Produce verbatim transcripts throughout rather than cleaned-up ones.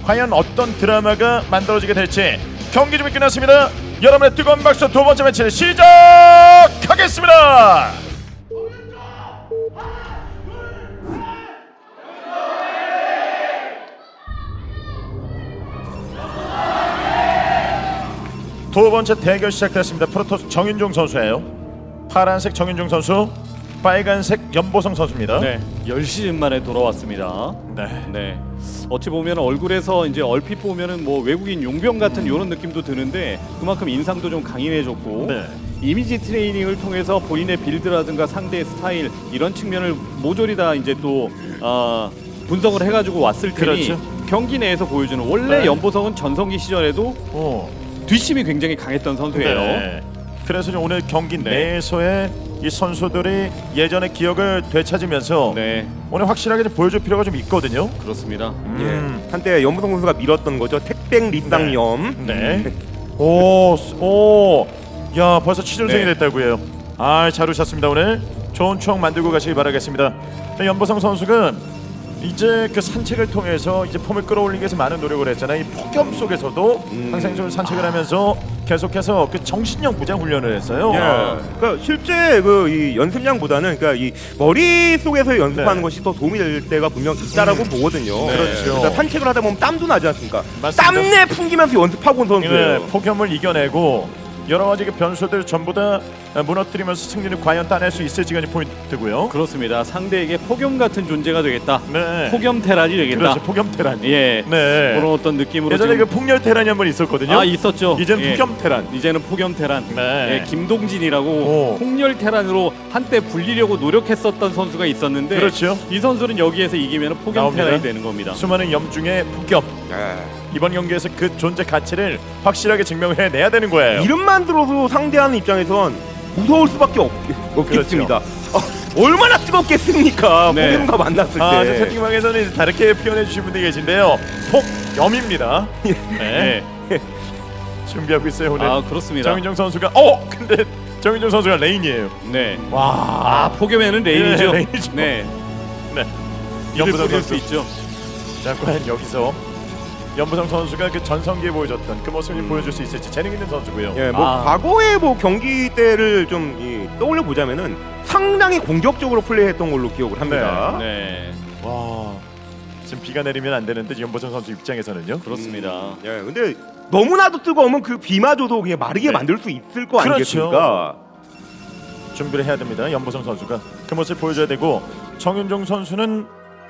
과연 어떤 드라마가 만들어지게 될지 경기 준비 끝났습니다. 여러분의 뜨거운 박수 두 번째 매치를 시작하겠습니다. 두 번째 대결 시작됐습니다. 프로토스 정윤종 선수예요. 파란색 정윤종 선수, 빨간색 연보성 선수입니다. 네, 열 시즌 만에 돌아왔습니다. 네. 네. 어찌 보면 얼굴에서 이제 얼핏 보면은 뭐 외국인 용병 같은 이런 느낌도 드는데 그만큼 인상도 좀 강인해졌고 네. 이미지 트레이닝을 통해서 본인의 빌드라든가 상대의 스타일 이런 측면을 모조리 다 이제 또 어, 분석을 해가지고 왔을 테니 그렇죠. 경기 내에서 보여주는 원래 네. 연보성은 전성기 시절에도 오. 뒷심이 굉장히 강했던 선수예요. 네. 그래서 이제 오늘 경기 네. 내에서의 이 선수들이 예전의 기억을 되찾으면서 네, 오늘 확실하게 좀 보여줄 필요가 좀 있거든요. 그렇습니다. 음. 예, 한때 연보성 선수가 밀었던 거죠. 택백 리쌍염. 네. 오, 오, 야 벌써 취준생이 네. 됐다고 해요. 아, 잘 오셨습니다. 오늘 좋은 추억 만들고 가시기 바라겠습니다. 네, 연보성 선수가 이제 그 산책을 통해서 이제 폼을 끌어올리기 위해서 많은 노력을 했잖아요. 이 폭염 속에서도 음. 항상 좀 산책을 하면서 계속해서 그 정신력 무장 훈련을 했어요. 예. 아. 그러니까 실제 그 이 연습량보다는 그러니까 이 머릿속에서 연습하는 네. 것이 더 도움이 될 때가 분명 있다라고 음. 보거든요. 네. 그렇죠. 그러니까 산책을 하다 보면 땀도 나지 않습니까? 맞습니다. 땀내 풍기면서 연습하고 온 선수예요. 네, 폭염을 이겨내고 여러 가지 그 변수들 전부 다 무너뜨리면서 승리를 과연 따낼 수 있을지가 이제 포인트고요. 그렇습니다. 상대에게 폭염 같은 존재가 되겠다. 네. 폭염 테란이 되겠다. 그렇죠. 폭염 테란. 예. 네. 그런 어떤 느낌으로 예전에 지금... 그 폭렬 테란이 한 번 있었거든요. 아 있었죠. 이제는 예. 폭염 테란. 이제는 폭염 테란. 네. 예, 김동진이라고 오. 폭렬 테란으로 한때 불리려고 노력했었던 선수가 있었는데 그렇죠. 이 선수는 여기에서 이기면 폭염 나옵니다. 테란이 되는 겁니다. 수많은 염 중에 폭염. 예. 이번 경기에서 그 존재 가치를 확실하게 증명해 내야 되는 거예요. 이름만 들어도 상대하는 입장에선 무서울 수밖에 없, 없겠습니다. 아, 얼마나 뜨겁겠습니까? 네. 폭염과 만났을 아, 때. 저 채팅방에서는 이제 다르게 표현해 주신 분들이 계신데요. 폭염입니다. 네. 네. 준비하고 있어요 오늘. 아 그렇습니다. 정인정 선수가 어 근데 정인정 선수가 레인이에요. 네. 와. 아 폭염에는 레인이죠. 네, 레인이죠. 네. 네. 연부성 연부성 수 선수. 있죠. 자 과연 여기서 연부성 선수가 그 전성기에 보여줬던 그 모습을 음. 보여줄 수 있을지 재능 있는 선수고요. 예, 뭐 아. 과거의 뭐 경기 때를 좀 이, 떠올려 보자면은 상당히 공격적으로 플레이했던 걸로 기억을 합니다. 네. 와. 지금 비가 내리면 안 되는데 연부성 선수 입장에서는요. 그렇습니다. 음, 예, 근데 너무나도 뜨거우면 그 비마저도 그냥 마르게 네. 만들 수 있을 거 그렇죠. 아니겠습니까? 준비를 해야 됩니다. 연보성 선수가 그 모습을 보여줘야 되고 정윤종 선수는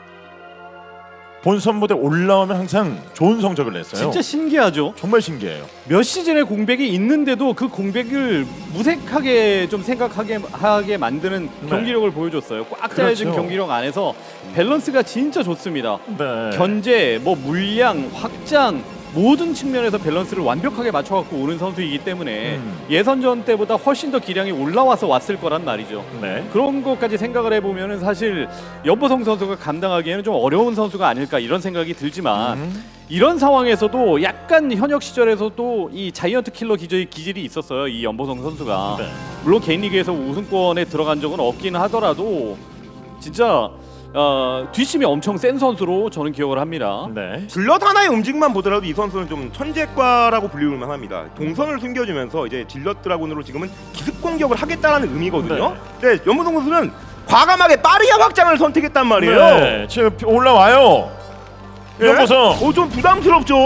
본선 무대 올라오면 항상 좋은 성적을 냈어요. 진짜 신기하죠. 정말 신기해요. 몇 시즌의 공백이 있는데도 그 공백을 무색하게 좀 생각하게 하게 만드는 네. 경기력을 보여줬어요. 꽉 짜여진 그렇죠. 경기력 안에서 밸런스가 진짜 좋습니다. 네. 견제, 뭐 물량, 확장 모든 측면에서 밸런스를 완벽하게 맞춰갖고 오는 선수이기 때문에 음. 예선전 때보다 훨씬 더 기량이 올라와서 왔을 거란 말이죠. 네. 그런 것까지 생각을 해보면은 사실 연보성 선수가 감당하기에는 좀 어려운 선수가 아닐까 이런 생각이 들지만 음. 이런 상황에서도 약간 현역 시절에서도 이 자이언트 킬러 기질이, 기질이 있었어요. 이 연보성 선수가 네. 물론 개인 리그에서 우승권에 들어간 적은 없긴 하더라도 진짜 어, 뒷심이 엄청 센 선수로 저는 기억을 합니다. 네. 질럿 하나의 움직임만 보더라도 이 선수는 좀 천재과라고 불리울 만합니다. 동선을 숨겨주면서 이제 질럿 드라군으로 지금은 기습 공격을 하겠다라는 의미거든요. 근데 연무동 선수는 과감하게 빠르게 확장을 선택했단 말이에요. 네. 지금 올라와요. 예? 연보성. 어, 좀 부담스럽죠?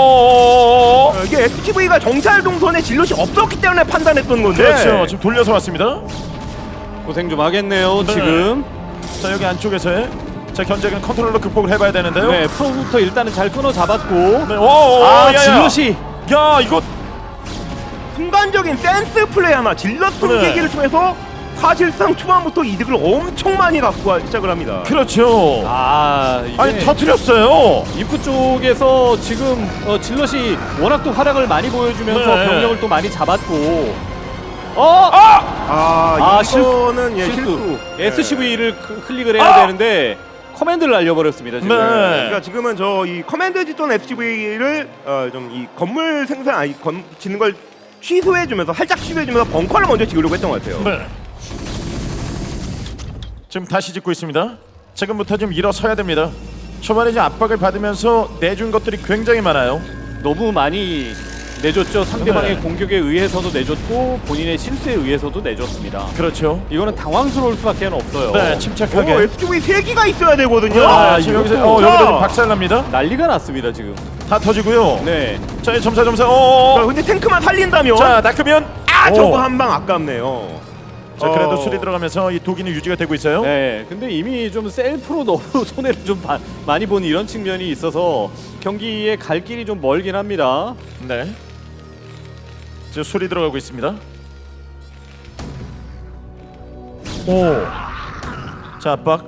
어. 어, 이게 에스티브이가 정찰 동선에 질럿이 없었기 때문에 판단했던 건데. 그렇죠. 지금 돌려서 왔습니다. 고생 좀 하겠네요. 네. 지금 자 여기 안쪽에서의 자 견제는 컨트롤러 극복을 해봐야 되는데요. 네, 프로부터 일단은 잘 끊어 잡았고 네. 오. 아 야, 야. 질럿이 야 이거 순간적인 센스 플레이 하나 질럿 숨기기를 통해서 사실상 초반부터 이득을 엄청 많이 갖고 와- 시작을 합니다. 그렇죠. 아 이게 아니 터뜨렸어요. 입구 쪽에서 지금 어, 질럿이 워낙 또 활약을 많이 보여주면서 네. 병력을 또 많이 잡았고 어! 아, 아, 실- 이거는 예, 실수. 실수. 에스씨브이를 클릭을 해야 아! 되는데 커맨드를 날려버렸습니다 지금. 네. 그러니까 지금은 저 이 커맨드 짓던 에스씨브이를 어, 좀 이 건물 생산 아니 건 짓는 걸 취소해주면서 살짝 취소해주면서 벙커를 먼저 지으려고 했던 것 같아요. 네. 지금 다시 짓고 있습니다. 지금부터 좀 일어서야 됩니다. 초반에 이제 압박을 받으면서 내준 것들이 굉장히 많아요. 너무 많이 내줬죠. 상대방의 네. 공격에 의해서도 내줬고 본인의 실수에 의해서도 내줬습니다. 그렇죠. 이거는 당황스러울 수밖에 없어요. 네, 침착하게. 오, 에스지브이 세 기가 있어야 되거든요. 아, 아, 지금 이것도- 여기서 어, 자. 여기도 좀 박살납니다. 난리가 났습니다 지금. 다 터지고요. 네. 자, 점사 점사. 어. 자, 근데 탱크만 살린다면 자, 낚으면 아 오. 저거 한 방 아깝네요. 자, 그래도 어. 수리 들어가면서 이 독이는 유지가 되고 있어요. 네. 근데 이미 좀 셀프로 너무 손해를 좀 바, 많이 본 이런 측면이 있어서 경기에 갈 길이 좀 멀긴 합니다. 네. 지금 수리 들어가고 있습니다. 오. 자, 압박.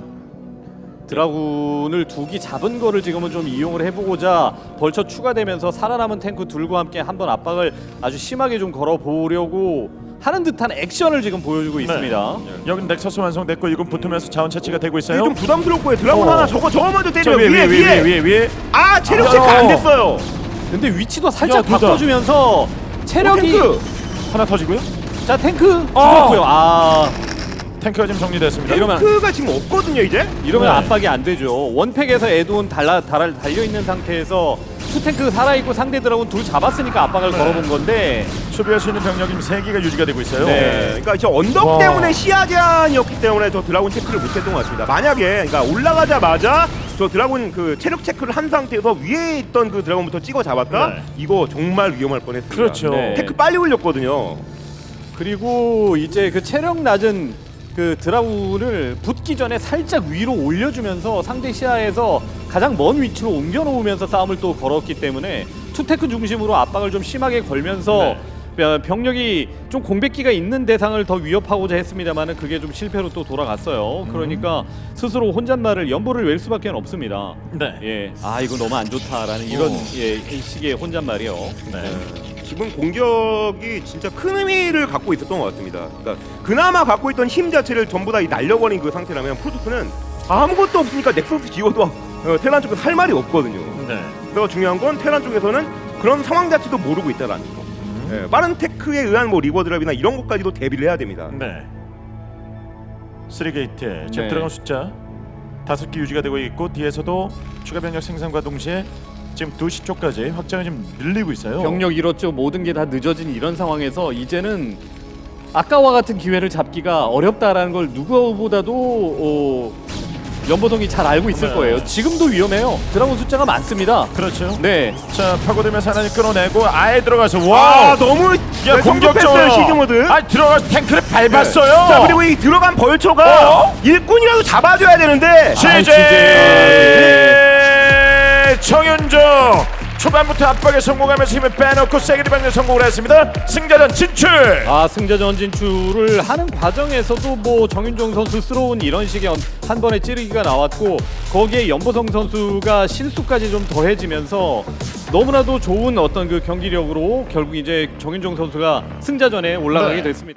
드라군을 두기 잡은 거를 지금은 좀 이용을 해보고자 벌처 추가되면서 살아남은 탱크 둘과 함께 한번 압박을 아주 심하게 좀 걸어보려고 하는 듯한 액션을 지금 보여주고 있습니다. 여기 넥서스 완성됐고 이건 붙으면서 자원 채취가 되고 이게 있어요. 좀 부담스럽고요. 드라군 어. 하나 저거 저거 먼저 자, 때려. 위에 위에 위에 위에 위에 위에. 아 체력 아, 체크 안 어. 됐어요. 근데 위치도 살짝 야, 둘 다. 바꿔주면서 체력이 탱크. 하나 터지고요. 자 탱크 어. 죽었고요. 아 탱크가 지금 정리됐습니다. 이러면- 탱크가 지금 없거든요 이제. 이러면 네. 압박이 안 되죠. 원팩에서 에드온 달라 달아 달려 있는 상태에서 투탱크 살아 있고 상대 드라군 둘 잡았으니까 압박을 네. 걸어본 건데 수비할 수 있는 병력이 지금 세 개가 유지가 되고 있어요. 네. 그러니까 저 언덕 와. 때문에 시야 제한이었기 때문에 저 드라군 체크를 못했던 것 같습니다. 만약에 그러니까 올라가자마자 저 드라군 그 체력 체크를 한 상태에서 위에 있던 그 드라군부터 찍어 잡았다. 네. 이거 정말 위험할 뻔했습니다. 그렇죠. 네. 테크 빨리 올렸거든요. 그리고 이제 그 체력 낮은 그 드라군을 붙기 전에 살짝 위로 올려주면서 상대 시야에서 가장 먼 위치로 옮겨 놓으면서 싸움을 또 걸었기 때문에 투테크 중심으로 압박을 좀 심하게 걸면서 어, 병력이 좀 공백기가 있는 대상을 더 위협하고자 했습니다만은 그게 좀 실패로 또 돌아갔어요. 그러니까 스스로 혼잣말을 연보를 낼 수밖에 없습니다. 네. 예, 아 이거 너무 안 좋다라는 이런 어. 예, 식의 혼잣말이요. 네. 기본 공격이 진짜 큰 의미를 갖고 있었던 것 같습니다. 그러니까 그나마 갖고 있던 힘 자체를 전부 다 이 날려버린 그 상태라면 프로토스는 아무것도 없으니까 넥서스 지어도 어, 테란 쪽에서 할 말이 없거든요. 네. 그래서 중요한 건 테란 쪽에서는 그런 상황 자체도 모르고 있다라는 거. 음. 예, 빠른 테크에 의한 뭐 리버 드랍이나 이런 것까지도 대비를 해야 됩니다. 네. 쓰리 게이트 지금 네. 들어간 숫자 다섯 개 유지가 되고 있고 뒤에서도 추가 병력 생산과 동시에 지금 두 시 쪽까지 확장을 좀 늘리고 있어요. 병력 잃었죠. 모든 게 다 늦어진 이런 상황에서 이제는 아까와 같은 기회를 잡기가 어렵다라는 걸 누구보다도 어, 연보성이 잘 알고 있을 네. 거예요. 지금도 위험해요. 드라곤 숫자가 많습니다. 그렇죠. 네. 자, 파고들면서 하나를 끌어내고 아예 들어가서 아 와. 너무 야, 공격적으로 시즈 모드. 아, 들어가서 탱크를 밟았어요. 자 그리고 이 들어간 벌초가 어? 일꾼이라도 잡아줘야 되는데. 시제 정윤정 초반부터 압박에 성공하면서 힘을 빼놓고 세게리 방면 성공을 했습니다. 승자전 진출. 아 승자전 진출을 하는 과정에서도 뭐 정윤종 선수스러운 이런 식의 한 번의 찌르기가 나왔고 거기에 연보성 선수가 실수까지 좀 더해지면서 너무나도 좋은 어떤 그 경기력으로 결국 이제 정윤종 선수가 승자전에 올라가게 네. 됐습니다.